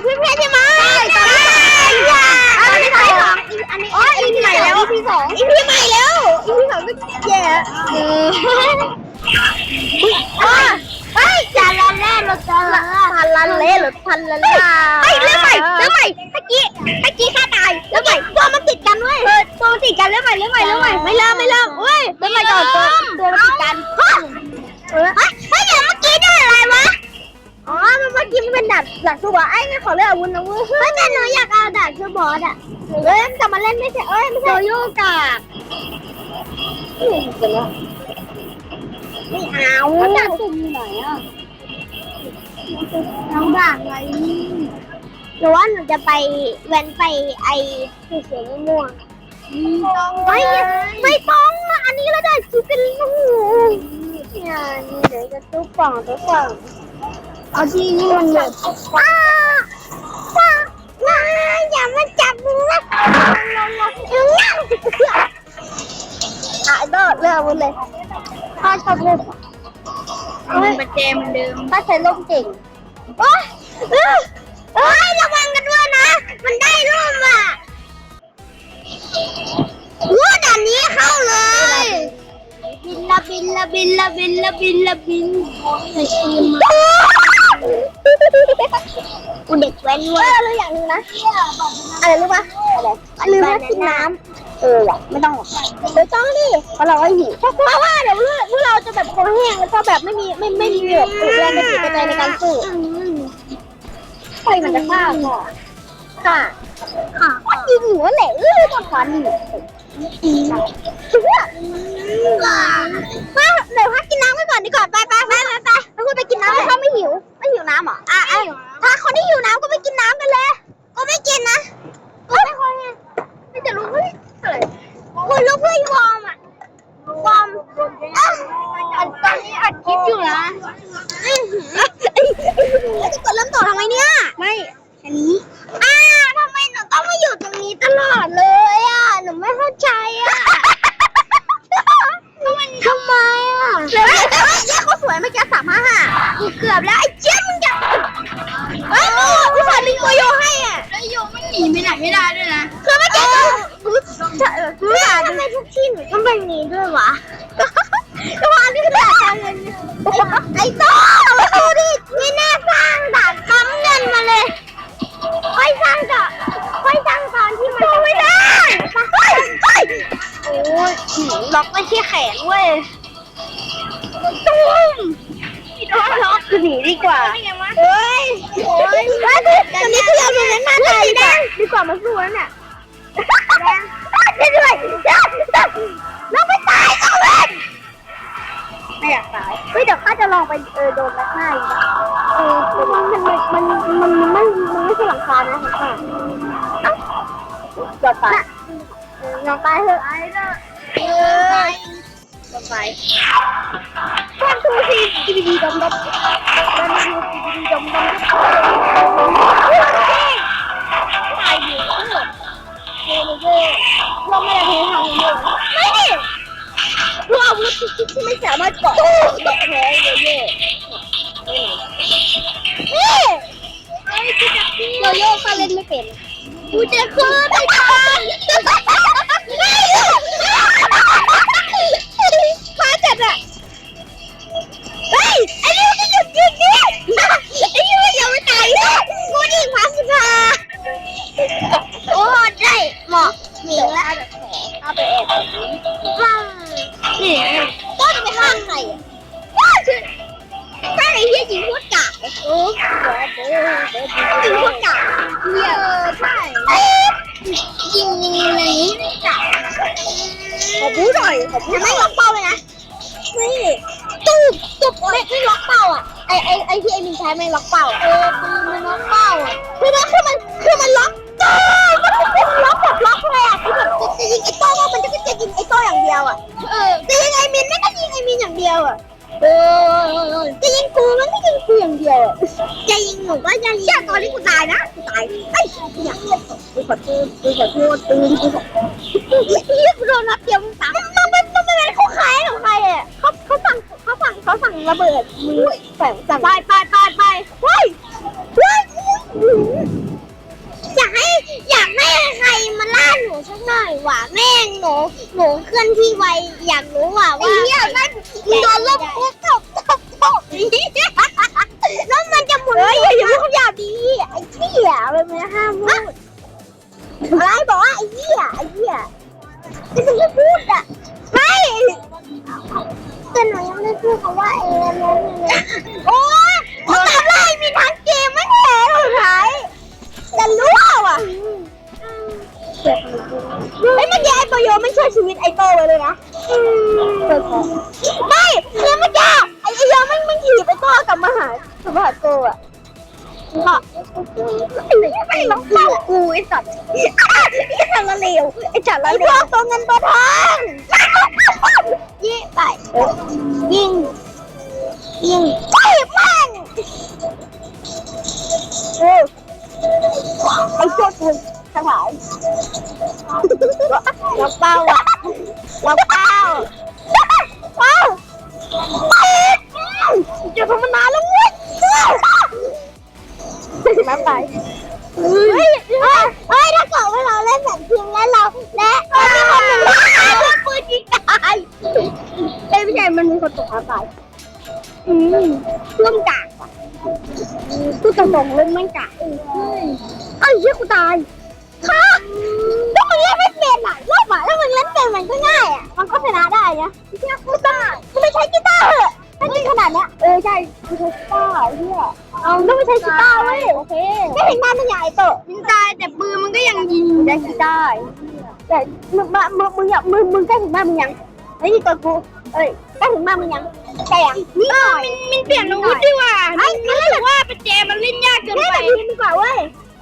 กับเพื่อนๆใช่ไหมใช่ตอนที่สองอันนี้EP ใหม่แล้ว EP สองEP ใหม่แล้ว EP สองก็แย่เฮ้ยจานละเล่รถจานละเล่รถพันละล่าเฮ้ยเริ่มใหม่เมื่อกี้ข้าตายเริ่มใหม่ตัวมันติดกันเว้ยตัวมันติดกันเริ่มใหม่ไม่เริ่มเว้ยเริ่มใหม่ก่อนตัวมันติดกันเฮ้ยเดี๋ยวเมื่อกี้ได้อะไรวะอ๋อเมื่อกี้มันเป็นดักสู้บอสไอ้ไม่ขอเลือกอาวุธนะเว้ยเฮ้ยแต่หนูอยากเอาดักสู้บอสอ่ะกลับมาเล่นไม่ใช่ไม่ใช่โยกะไม่เอาดักตุ่มอยู่ไหนอ่ะน้องด่างไงหรือว่าหนูจะไปแว้นไปไอ้เสือม่วงไม่ต้องอันนี้เราได้ซุปกันลูกเนี่ยนี่เดี๋ยวจะตุ๊บป่องเอาที่นี่มันแบบอย่ามาจับมือนะถ่ายโดดเลือกมันเลยถ้าชอบเล่นมันเจมันเดิมถ้าใช้ล่มเก่งโอ้ยระวังกันด้วยนะมันได้ร่มอ่ะว้าด่านนี้เข้าเลยบินกูเด็กแว้นเว้ยเลยอย่างนึงนะอะไรรู้ปะลืมกินน้ำว่ะไม่ต้องหรอกเดี๋ยวต้องดิเพราะเราก็หิวเพราะว่าเดี๋ยวพวกเราจะแบบคอแห้งแล้วก็แบบไม่มีแบบแรงกระติกกระจายในการสู้ไฟมันจะฆ่าก่อนค่ะยิงหัวแหละตอนฟันมาเดี๋ยวพักกินน้ำไว้ก่อนดีกว่าไปแล้วคุณไปกินน้ำถ้าไม่หิวน้ำหรอถ้าคนที่หิวน้ำก็ไปกินน้ำกันเลยก็ไม่กินนะก็ไม่ค่อยไงไม่จะรู้อะไรคุณรู้เพื่อนวอร์มตอนนี้อัดคลิปอยู่นะจะกดเริ่มต่อทำไมเนี่ยไม่อันนี้ทำไมหนูต้องมาอยู่ตรงนี้ตลอดเลยหนูไม่เข้าใจทำไมเขาสวยเมื่อกี้355เกือบแล้วไอ้เจี๊ยบมึงจะผู้ชายลิงตัวโยให้แล้วโยไม่หนีไปไหนไม่ได้ด้วยนะคือเมื่อกี้ทำไมทุกที่หนูต้องเป็นนี้ด้วยวะก็ว่านี่คือแบบไอ้โต้ดูดินี่แน่สร้างด่านปั๊มเงินมาเลยค่อยสร้างตอนที่มันไม่ได้โอ้ยล็อกไม่ใช่แขนเว้ยตุ้มล็อกคือหนีดีกว่าเฮ้ยตอนนี้คือเราดูนั้นมาเลยดีกว่ามาสู้แล้วเนี่ยด้วยเราไม่ตายเอาเล่นไม่อยากตายเฮ้ยเดี๋ยวข้าจะลองไปโดนนักหน้าอีกมันไม่ใช่หลังคานะค่ะจอดตายลองตายเถอะลองไปวันทูซีดีดมตายอยู่ทั้งหมดเราไม่ได้ทำเยอะไม่ดิเพราะอาวุธที่ไม่สามารถเกาะดอกแพ้เลยนี่เราโยกเล่นไม่เป็นกูจะขึ้นไปทางพาจัดเฮ้ยไอ้นี่มันหยุดยิงดิไอ้นี่มันยังไม่ตายกูยิงพาสุภาโอ้ได้เหมาะหมิงแล้วเอาไปแอบนี่ก็จะไปฆ่าใครถ้าไอ้เหี้ยยิงพูดกะยิงพูดกะใช่ยิงอะไรนี้กะขอบู๊หน่อยไม่ล็อกเป้าเลยนะนี่ตุ๊บไม่ล็อกเป้าไอ้ที่ไอ้มินใช้ไม่ล็อกเป้ามันล็อกเป้าคือมันล็อกมันล็อกแบบล็อกเลยคือแบบจะยิงไอ้โต้ก็มันจะยิงไอ้โต้อย่างเดียวจะยิงไอ้มินไม่ก็ยิงไอ้มินอย่างเดียวจะยิงกูมันไม่ยิงกูอย่างเดียวจะยิงหนูก็จะยิงตอนที่กูตายนะกูตายไอ้เนี่ยกูขอโทษกูโดนนัดเดียวมึงตายมันเป็นเขาขายของใครเขาสั่งระเบิดมือสั่งไปเฮ้ยเคลื่อนที่ไวอยากรู้ว่าไอ้เหี้ยนั่นโดนลบปุ๊บตบแล้วมันจะหมุนอย่าพูดหยาบดีไอ้เหี้ยมันไม่ห้ามพูดอะไรบอกว่าไอ้เหี้ยไม่พูดอ่ะไม่แต่หนูยังไม่พูดคำว่านั้นโอ้ยทำไรมีทั้งเกมไม่แพ้หรอไทยจะรู้อ่ะเฮ้ยเมื่อกี้ไอ้โปโยไม่ช่วยชีวิตไอ้โตไว้เลยนะไม่คือเมื่อกี้ไอ้โยไม่ถีบไอ้โตกลับมาหาโตอ่ะไม่ร้องเต้ากูไอ้สัตว์ไอ้จัดละเลวไอ้พวกตัวเงินตัวทองยี่ไปยิงไปมันไอ้พวกมึงสบายเราเป้าอ่ะจะทำมานานแล้วเว้ยมาไปเฮ้ยถ้าเกิดว่าเราเล่นแบบทีมแล้วเราและมีคนหนึ่งปืนยิงตายไม่ใช่มันมีคนตกตายร่วมกากกูตรงๆเล่นไม่กากไอ้เหี้ยกูตายค่ะถ้ามึงเล่นไม่เป็นอ่ะรอบอ่ะถ้ามึงเล่นเป็นมันก็ง่ายอ่ะมันก็ชนะได้นะเหี้ยกูตายกูไม่ใช้กีตาร์เหรอถ้าจริงขนาดเนี้ยใช่กูใช้กีตาร์เหี้ยเอาต้องไม่ใช้กีตาร์เว้ยโอเคไม่เห็นหน้ามันใหญ่โตยิงตายแต่ปืนมันก็ยังยิงได้กีตาร์แต่มึงใกล้ถึงบ้านมึงยังไอ้นี่ตัวกูใกล้ถึงบ้านมึงยังใช่ยังนี่หน่อยมันเปลี่ยนอาวุธดีกว่ามันรู้สึกว่าเป็นเจมันเล่นยากเกินไปเล่นแบบนี้ดีกว่าเว้ย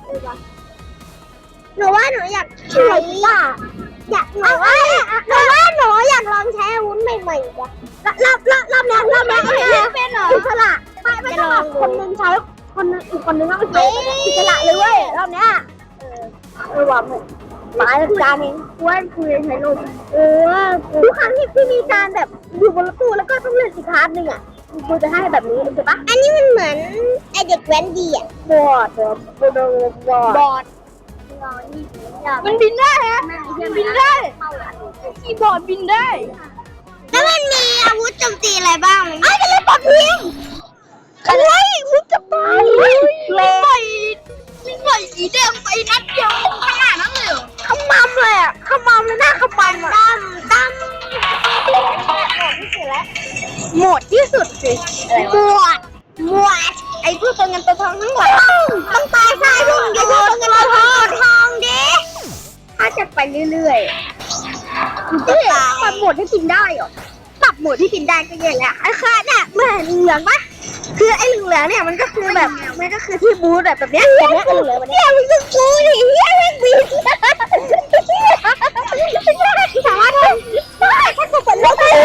หนูว่าหนูอยากใช้หนูว่าหนูอยากลองใช้อาวุธใหม่ๆจ้ะรอบนี้เป็นเหรออิสระไม่ต้องแบบคนนึงใช้อีกคนนึงต้องใช้อิสระเลยเว้ยรอบเนี้ยว่าหมายการเองว่าคุยใช้ลูกทุกครั้งที่มีการแบบอยู่บนรถตู้แล้วก็ต้องเลือกอีกคาร์ดนึงอ่ะกูจะให้แบบนี้ใช่ปะอันนี้มันเหมือนไอเด็กแว้นดีอ่ะบอดมันบินได้ฮะมันบินได้คีย์บอร์ดบินได้แล้วมันมีอาวุธโจมตีอะไรบ้างจะเล่นปอบพิงอะไรมึงจะไปเลยมีไฟสีแดงไปนัดเดียวขนาดนั้นเลยขมำเลยอ่ะขมำเลยหน้าขมำตั้มหมดที่สุดสิหมดไอ้พวกตัวเงินตัวทองทั้งหมดต้องตายใช่พวกไอ้พวกตัวเงินตัวทองดิถ้าจะไปเรื่อยๆปรับโหมดที่กินได้หรอปรับโหมดที่กินได้ก็เยอะแล้วไอ้ข้าเนี่ยเหมือนเหลืองปะคือไอ้เหลืองเนี่ยมันก็คือแบบมันก็คือที่บูธแบบเนี้ยเหลืองแบบนี้มึงจะกูดิเฮียแม่งบินสามารถได้ถ้ากูเปิดโลกได้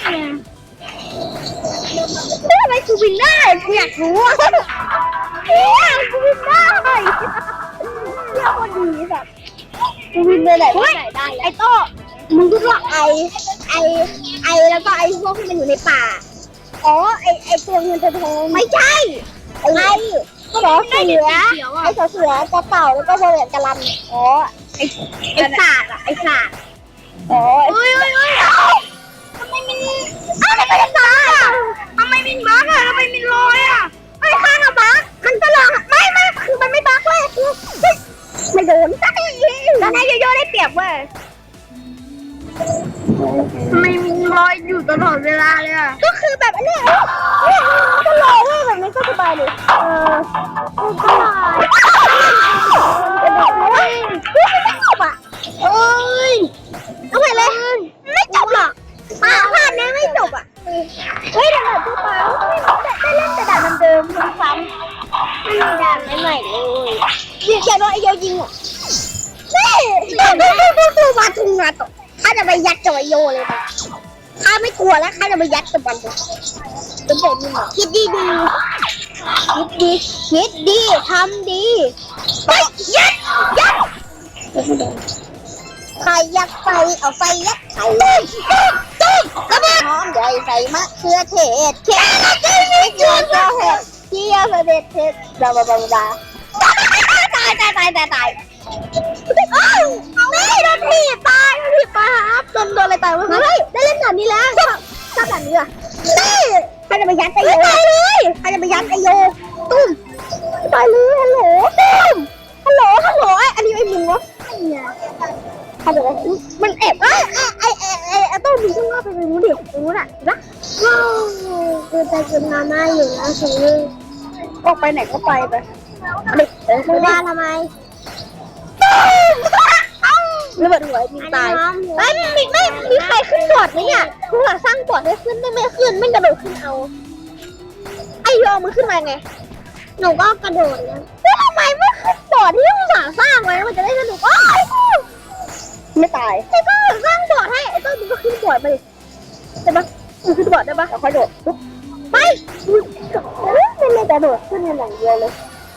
ทำไมกูบินได้กูอยากรู้กูบินได้เที่ยวคนดีแบบกูบินไปไหนได้ไอ้โต้มึงคิดว่าไอแล้วก็ไอ้พวกที่มันอยู่ในป่าไอ้ตัวเงินตัวทองไม่ใช่ไอ้ก็บอกเสือไอ้เสือกระเต่าแล้วก็โบว์กระลำไอ้ศาสตร์ไอ้ศาสตร์ทำไมมันไม่ได้ตายทำไมมันบั๊กทำไมมันลอยไอ้ข้างบั๊กมันก็ลองไม่คือมันไม่บั๊กเว้ยไม่โดนตอนนี้โยได้เปรียบเว้ยทำไมมันลอยอยู่ตลอดเวลาเลยก็คือแบบนี้ก็ลอยเว้ยแบบนี้ก็สบายเลยก็ลอยไม่จบเอาไปเลยไม่จบหรอกภาคนี้ไม่จบเฮ้ยแต่แบบทั่วไปได้เล่นแต่ด่านเดิมซ้ำไม่มีด่านใหม่เลยยิงแค่โดนไอ้โยยิงนี่มาทุ่งนาตกข้าจะไปยัดกับไอโยเลยข้าไม่กลัวแล้วข้าจะไปยัดกับมันจะบอกมึงคิดดีทำดีไปยัดใครยัดไฟเอาไฟยัดไข่ตุ้มกระเบิดหอมใหญ่ใส่มะเขือเทศเค็มไม่เกลือเห็ดเจียวเด็ดเผ็ดบลาตายอ้าวนี่โดนถีบตายครับโดนอะไรตายวะเฮ้ยได้เล่นแบบนี้แล้วชอบแบบนี้อ่ะนี่ใครจะไปยัดไอโยตายเลยใครจะไปยัดไอโยตุ้มตายเลยฮัลโหลตุ้มฮัลโหลอันนี้ไอ้หมูวะเขาบอกว่ามันแอบไอ้ต้นมีช่องว่างไปรู้เดี๋ยวรู้น่ะนะว้าวคือใจคุณมาม่าอยู่นะคือออกไปไหนก็ไปเด็กมึงว่าทำไมระเบิดหัวยิงตายไม่มีใครขึ้นบอร์ดไหมเนี่ยกูหาสร้างบอร์ดให้ขึ้นไม่ขึ้นไม่กระโดดขึ้นเอาไอ้โยมึงขึ้นมาไงหนูก็กระโดดนะแล้วทำไมไม่ขึ้นบอร์ดที่มึงสร้างไว้มันจะได้สนุกไม่ตายแต่ก็สร้างบอร์ดให้ไอ้ต้นมึงก็ขึ้นบอร์ดไปได้ปะมึงขึ้นบอร์ดได้ปะค่อยโดดปุ๊บไปไม่เลยแต่โดดขึ้นอย่างเดียวเลย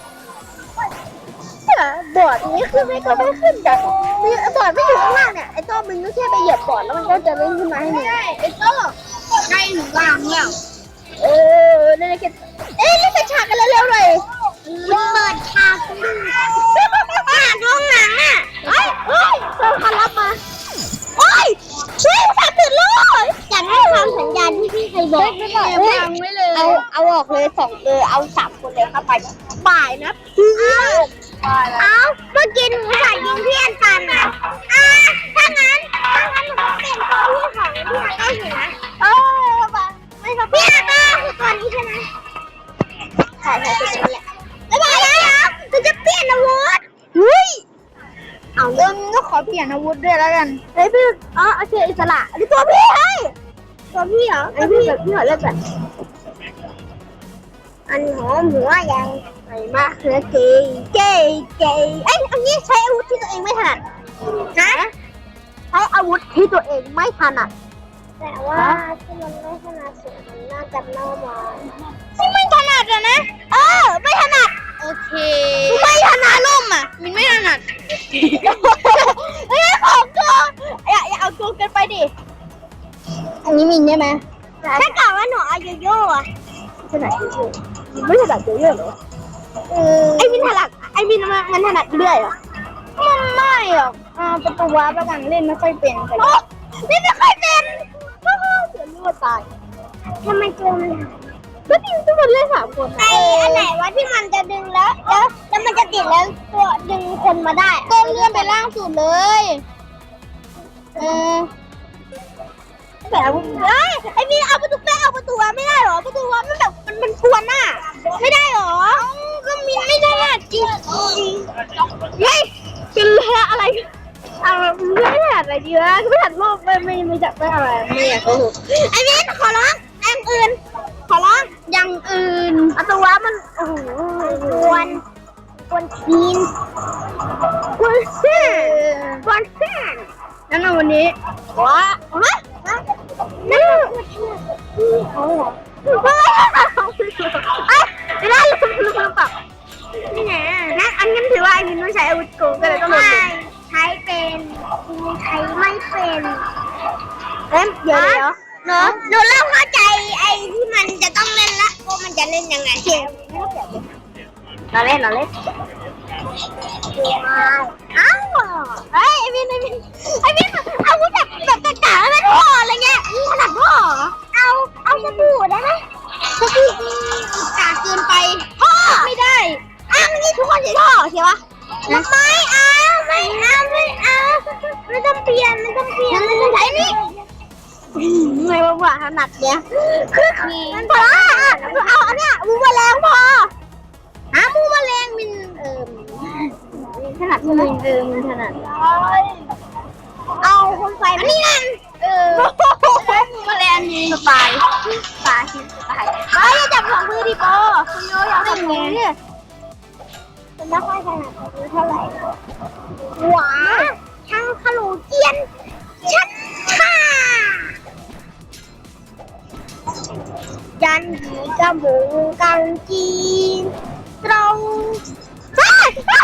บอร์ดนี้ขึ้นไม่ก็ไม่ขึ้นแต่บอร์ดไม่อยู่ข้างล่างเนี่ยไอ้ต้นมึงก็แค่ไปเหยียบบอร์ดแล้วมันก็จะเล่นขึ้นมาให้มึงไอ้ต้นใกล้ถึงล่างแล้วเล่นกันเล่นฉากกันเร็วๆเลยเปิดฉากดูห้องหนังอ่ะเฮ้ยเปิดคันรับมาโอ้ยช่วยฝากตื่นเลยอยากให้ฟังสัญญาณที่พี่เคยบอกไม่บอกฟังไว้เลยเอาออกเลยเอา3 คนเลยเข้าไปบ่ายนะเอาเมื่อกี้หนูใส่ยิงเพี่อนกันอ่ะถ้างั้นหนูเปลี่ยนตัวพี่ของพี่อาก็อยู่นะไม่ครับพี่อาก็คือตัวนี้ใช่ไหมใช่ตัวนี้แหละแล้วจะเปลี่ยนอาวุธเอาก็ขอเปลี่ยนอาวุธด้วยแล้วกันเฮ้ยพี่โอเคอิสระอันนี้ตัวพี่ให้ตัวพี่เหรอไอพี่ขอเลือกแบบอันหอมหัวยังไอ้มะเขือเกยเอ้ยอันนี้ใช้อาวุธที่ตัวเองไม่ถนัดนะใช้อาวุธที่ตัวเองไม่ถนัดแต่ว่าที่มันไม่ถนัดสุดมันน่าจะเน่ามาที่ไม่ถนัดอะนะไม่ถนัดโอเคไม่ถนัดล่มอ่ะมินไม่ถนัดเฮ้ยของโจอย่าเอาโจกันไปดิอันนี้มินใช่ไหมถ้ากล่าวว่าหนูเอาโยโย่อะถนัดโยโย่ไม่ถนัดโยโย่เหรอไอ้มินถนัดมันถนัดเรื่อยเหรอมันไม่หรอกประตูวาร์ปแล้วกันเล่นไม่ค่อยเป็นกันเล่นไม่ค่อยเป็นเสือรั่วตายทำไมเจอมันก็จริงทุกคนเล่น3 คนอันไหนวะที่มันจะดึงแล้วมันจะติดแล้วตัวดึงคนมาได้ก็เลื่อนไปล่างสุดเลยแต่ไอ้นี่เอาประตูวาไม่ได้หรอประตูวามันแบบมันทวนน่ะไม่ได้หรอก็มีไม่ได้จริงเฮ้ยเป็นอะไรไม่ถนัดอะไรดีวะไม่ถนัดโลกไม่จับไม่อะไรไม่อยากโกหกไอ้นี่ขอร้องอย่างอื่นอัตวะมันโอ้โหกวนทีนนั่นเอาวันนี้ว้านั่นเขาเหรอไม่ได้ลืมปรับนี่ไงงั้นอันนั้นถือว่าไอ้มินต้องใช้อาวุธโกงก็เลยต้องลงใช้เป็นใช้ไม่เป็นเดี๋ยวหนูเริ่มเข้าใจไอ้ที่มันจะต้องเล่นละว่ามันจะเล่นยังไงเราเล่นอ้าวไอ้มินเอาวุธแบบกากๆไม่พออะไรเงี้ยขนาดพ่อเอาสบู่ได้ไหมสบู่กากเกินไปพ่อไม่ได้มันนี่ทุกคนใช้ท่อใช่ปะไม่เอาไม่ต้องเปลี่ยนมันต้องใช้นี่ไม่ว่าถนัดเนี่ยมันพอเอาอันเนี้ยมูแมลงพอมูแมลงมินถนัดใช่ไหมมินถนัดเอาคนไฟมานี่นั่นมูแมลงมีปลาชิ้นอย่าจับของมือดิโป้คุณโยอยากทำไงเนี่ยมันไม่ค่อยถนัดเท่าไหร่หวาช่างขลุ่เจียนชัดค่ะยันหีกระบุงกังจีตรงสัม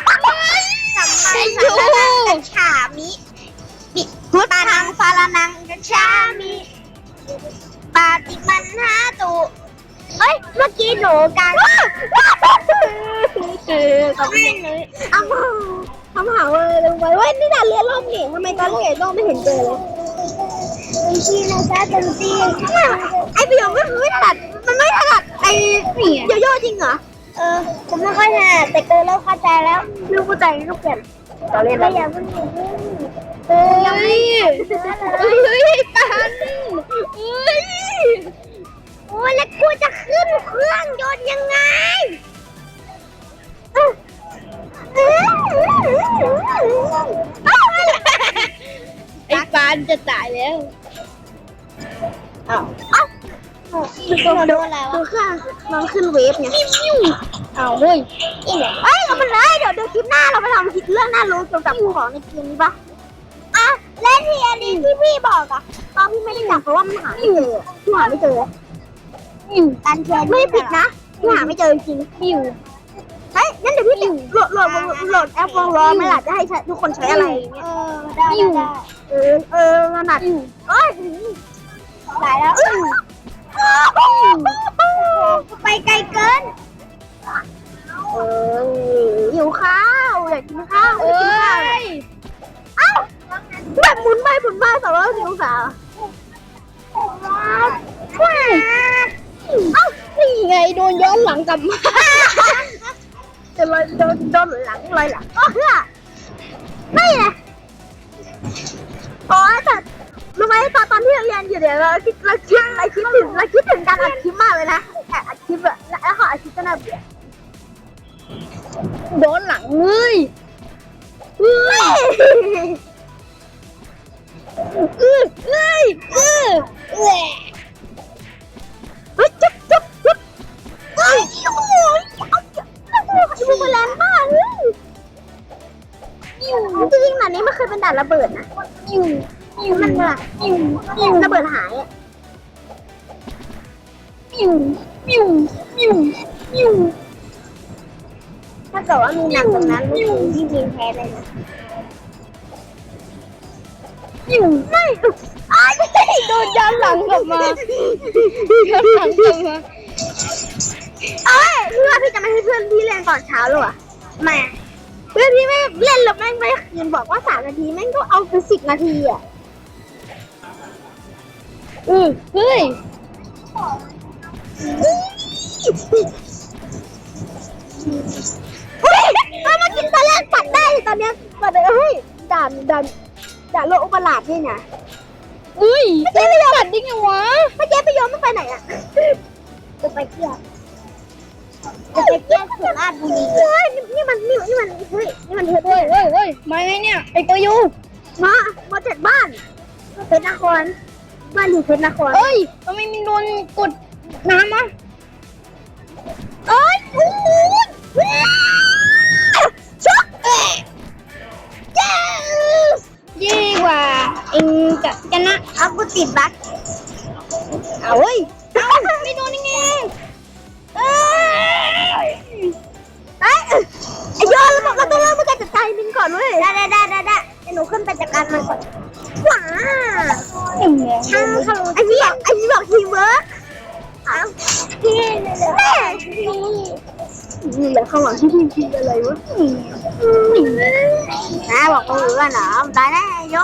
มากัญชามิปิพุทธังสารนังกัญชามิปาติมันหาตุเมื่อกี้หนูกันขอบแม่งเลยทำหาเลยลงไปเว้ยนี่ด่านเรือล่มนี่ทำไมตอนเรือล่มไม่เห็นเจอเลยทีนะจ๊ะเต็มที่ไอ้ประโยคก็คือไม่ถนัดมันไม่ถนัดไอ้โยโย่จริงเหรอผมไม่ค่อยถนัดแต่เกินแล้วเข้าใจแล้วลูกเข้าใจลูกเปลี่ยนเราเล่นแล้วอย่าเพิ่งยังไม่ปานโอ้ยแล้วกูจะขึ้นเครื่องยนต์ยังไงไอ้ปานจะตายแล้วอ้าวโดนอะไรวะน้องขึ้นเวฟไงอ้าวเฮ้ยเราไปเลยเดี๋ยวคลิปหน้าเราไปทำคลิปเรื่องน่ารู้เกี่ยวกับของในเกมนี้ปะอ่ะเล่นทีอันนี้ที่พี่บอกอะตอนพี่ไม่ได้จับเพราะว่ามันหาไม่เจอพี่หาไม่เจอการแชร์ไม่ผิดนะพี่หาไม่เจอจริงเฮ้ยงั้นเดี๋ยวพี่โหลดแอปวอลล์ไม่ล่ะจะให้ทุกคนใช้อะไรอย่างเงี้ยได้ขนาดตายแล้วไปไกลเกินหิวข้าวอยากกินข้าวไม่กินข้าวเอ้าแบบหมุนไป360 องศาเอ้านี่ไงโดนย้อนหลังกลับมาจะลอยโดนหลังลอยหลังไม่ไงอ๋อแต่รู้ไหมตอนที่เราเรียนอยู่เดี๋ยวเราคิดถึงการอัดคลิปมากเลยนะอัดคลิปอะแล้วขออัดคลิปก็น่าเบื่อโดนหลังเลยจุ๊บโอ้ยดูมันแรงมากจริงๆด่านนี้ไม่เคยเป็นด่านระเบิดนะมันแบบระเบิดหายอ่ะถ้าเกิดว่ามีหนักตรงนั้นที่ยิงแพ้เลยนะไม่โดนย้อนหลังกลับมาเพื่อนพี่จะไม่ให้เพื่อนพี่เล่นตอนเช้าหรอไม่เพื่อนพี่ไม่เล่นหรอกแม่งไม่คืนบอกว่า3 นาทีแม่งก็เอาไป10 นาทีอ่ะเฮ้ยมากินตอนแรกปัดได้ตอนเนี้ยปัดเลยเฮ้ยด่านโลกอุปราชนี่ไงไม่ใช่ไปยอมปัดดิ้งไงวะไม่ใช่ไปยอมไม่ไปไหนอ่ะจะไปเที่ยวสุราษฎร์บุรีนี่มันเฮ้ยนี่มันเฮ้ยมาไงเนี่ยไอ้ตัวยูมาจากบ้านเพชรนครบ้านอยู่เพชรนครทำไมมีโดนกดน้ำอ่ะช็อกยี่กว่าเองจะนะเอากูติดบั๊กเอาเว้ยไม่โดนยังไงไอ้ยอเราต้องเริ่มมาจัดการมินก่อนเว้ยได้หนูขึ้นไปจัดการมันก่อนว้าไอ้นี่บอกทีมเวิร์กพี่นี่แหละข้างหลังที่พี่อะไรวะบอกกูว่าหนาวตายแน่โย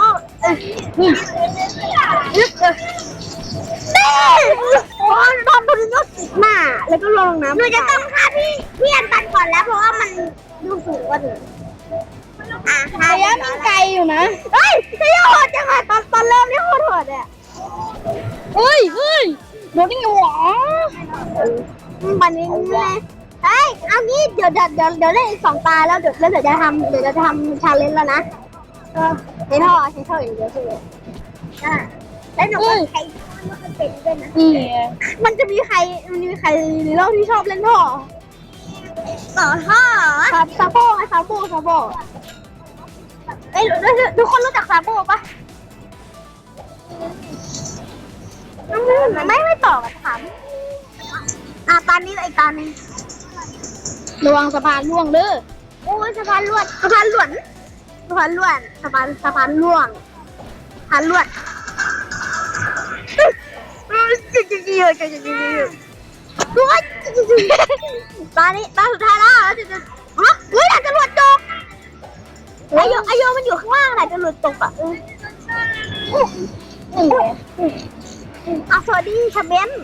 ตอนโดนยกติดหน้าแล้วก็ลงน้ำหนูจะต้องฆ่าพี่อันตันก่อนแล้วเพราะว่ามันดูสูงกว่าหนูระยะมันไกลอยู่นะเฮ้ยจะโหดจังอะตอนเริ่มนี่โหดอ่ะเฮ้ยโดนยังไงวะวันนี้เฮ้ยเอางี้เดี๋ยวเล่นอีก2 ตาแล้วเดี๋ยวจะทำชาเลนจ์แล้วนะใช้ท่ออย่างเดียวใช่ไหมแล้วหนูก็ใช้มันเป็นด้วยนะมันมีใครในโลกที่ชอบเล่นท่อต่อท่อครับซาโบเอ้ยทุกคนรู้จักซาโบปะไม่ต่อกันถามตอนนี้อีกตอนนึงระวังสะพานล่วงเด้อโอ้ยสะพานล่วงสะพานล่วงตัวจริงตอนสุดท้ายแล้วจะฮะเฮ้ยอาจจะหลุดตกอายุมันอยู่ข้างล่างอาจจะหลุดตกอ่ะสวัสดีค่ะเบน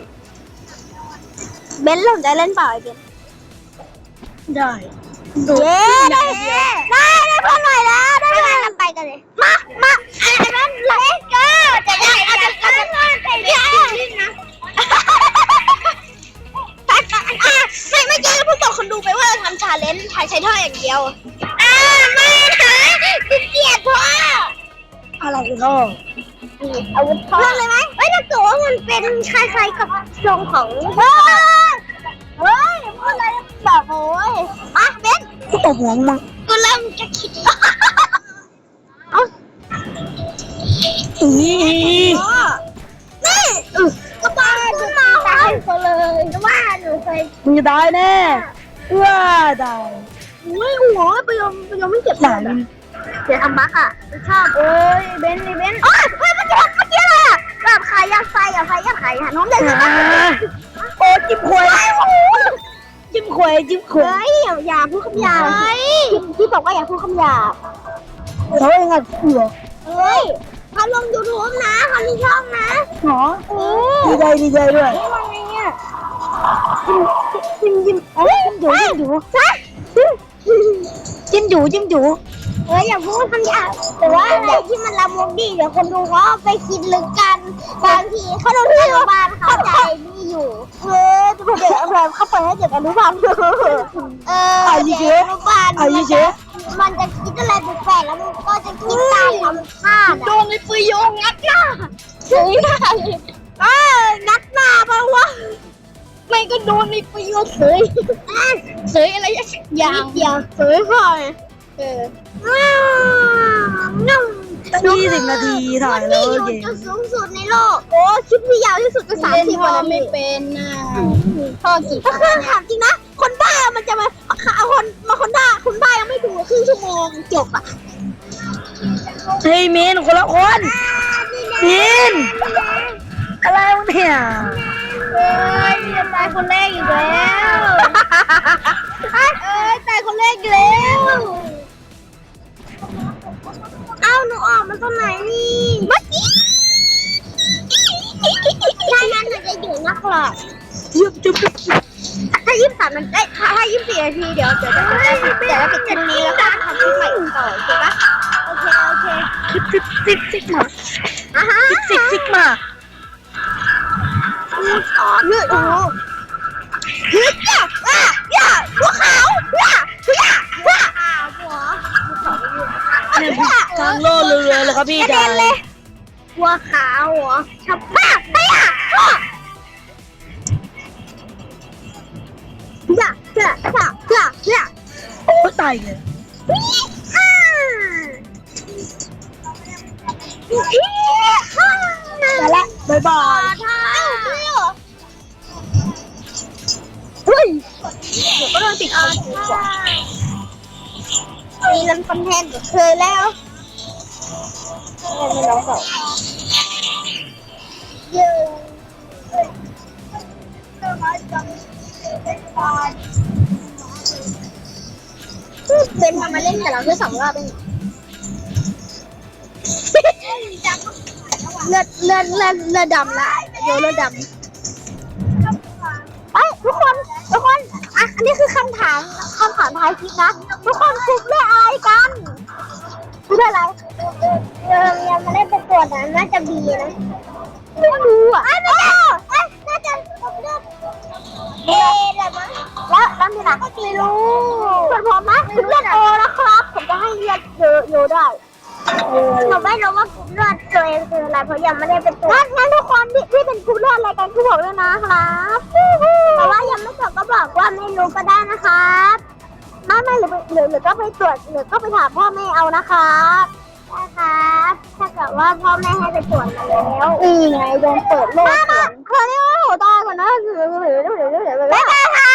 สนใจเล่นเปล่าไอเบนได้เย้ได้เพื่อนใหม่แล้วได้เพื่อนไปกันเลยมาไอ้เบนเล่นก็จะได้อาจจะไปเล่นนะเมื่อกี้เราเพิ่งบอกคนดูไปว่าเราทำชาเลนจ์ใช้ท่ออย่างเดียวไม่นะติดเกียร์ท่ออะไรกันน้องอาวุธท่อเรื่องเลยไหมถ้าเกิดว่ามันเป็นคล้ายๆกับทรงของเฮ้ยพูดอะไรแบบโอ้ยมาเบนกูตบหัวมึงกูเริ่มจะคิดนี่ก็บ้าขึ้นมาตายไปเลยก็ว่าหนูเคยมึงจะตายแน่ว่าตายไม่หัวไปยอมไม่เจ็บเลยเดี๋ยวทำบักอ่ะชอบเบนเมื่อกี้อะไรอ่ะแบบขายยาไฟน้องเด็กโอ้จิ้มขวยอย่าพูดคำหยาบพี่บอกว่าอย่าพูดคำหยาบแล้วยังไงเหรอเขาลง YouTube นะเขามีช่องนะหรอดีใจด้วยว่าไงเนี่ยจิ้มอยู่อย่าพูดคำหยาบแต่ว่าอะไรที่มันละมุนดีเดี๋ยวคนดูเขาไปคิดลึกกันบางทีเขาโดนที่บ้านเข้าใจนี่อยู่จะไปเด็กอะไรเขาเปิดให้เด็กอนุบาลเด็กอนุบาลมันจะคิดอะไรแปลกๆแล้วมันก็จะคิดตามธรรมชาติโดนในปืนโยงงัดหน้าเฮ้ยงัดหน้าปะวะไม่ก็โดนในปืนโยงเสยอะไรอย่างเสยค่อย20 นาทีถ่ายแล้วเก่งจุดสูงสุดในโลกคลิปที่ยาวที่สุดก็30 วันไม่เป็นนะพ่อกี่ก็คือถามจริงนะคนบ้ามันจะมาคนบ้ายังไม่ถึงครึ่งชั่วโมงจบอ่ะเฮ้ยมินคนละคนมินอะไรวะเนี่ยจะตายคนแรกอีกแล้วตายคนแรกอีกแล้วหนูออกมาตอนไหนนี่มาสิถ้างั้นหนูจะอยู่นักหรอกถ้า23 มันได้ถ้า24 นาทีเดี๋ยวจะปิดคลิปนี้แล้วก็ทำคลิปใหม่ต่อถูกปะโอเคซิกมาซิกมาเลือดโอ้หัวขาวทางโลเรือเลยครับพี่ชายหัวขาวเหรอชับมากโอ้ตายเลยมาละบ๊ายบายเฮ้ยเดี๋ยวก็โดนติดคอถูกกว่ามีเงินคอนเทนต์เคยแล้วไม่ร้องเปล่าเป็นทำมาเล่นกับเราแค่2 รอบเองเลือดดำละโยเลือดดำทุกคนอันนี้คือคำถามท้ายคลิปนะทุกคนคุกเรื่องอะไรกันคืออะไรยังไม่ได้ไปตรวจนะน่าจะบีนะไม่รู้อ่ะน่าจะเลือดอะไรมั้งแล้วที่ไหนก็ไม่รู้ส่วนผมนะเลือดโอนะครับผมจะให้เลือดโยได้หนูไม่รู้ว่ากลุ่มเลือดตัวเองคืออะไรเพราะยังไม่ได้เป็นตัวงั้นทุกคนที่เป็นกลุ่มเลือดอะไรกันคือบอกด้วยนะครับเพราะว่ายังไม่จบก็บอกว่าไม่รู้ก็ได้นะครับไม่หรือก็ไปตรวจหรือก็ไปถามพ่อแม่เอานะครับนะครับถ้าเกิดว่าพ่อแม่ให้ไปตรวจมาแล้วไงโดนเปิดโลกเคยเรียกว่าหัวตาก่อนนะบ๊ายบายค่ะ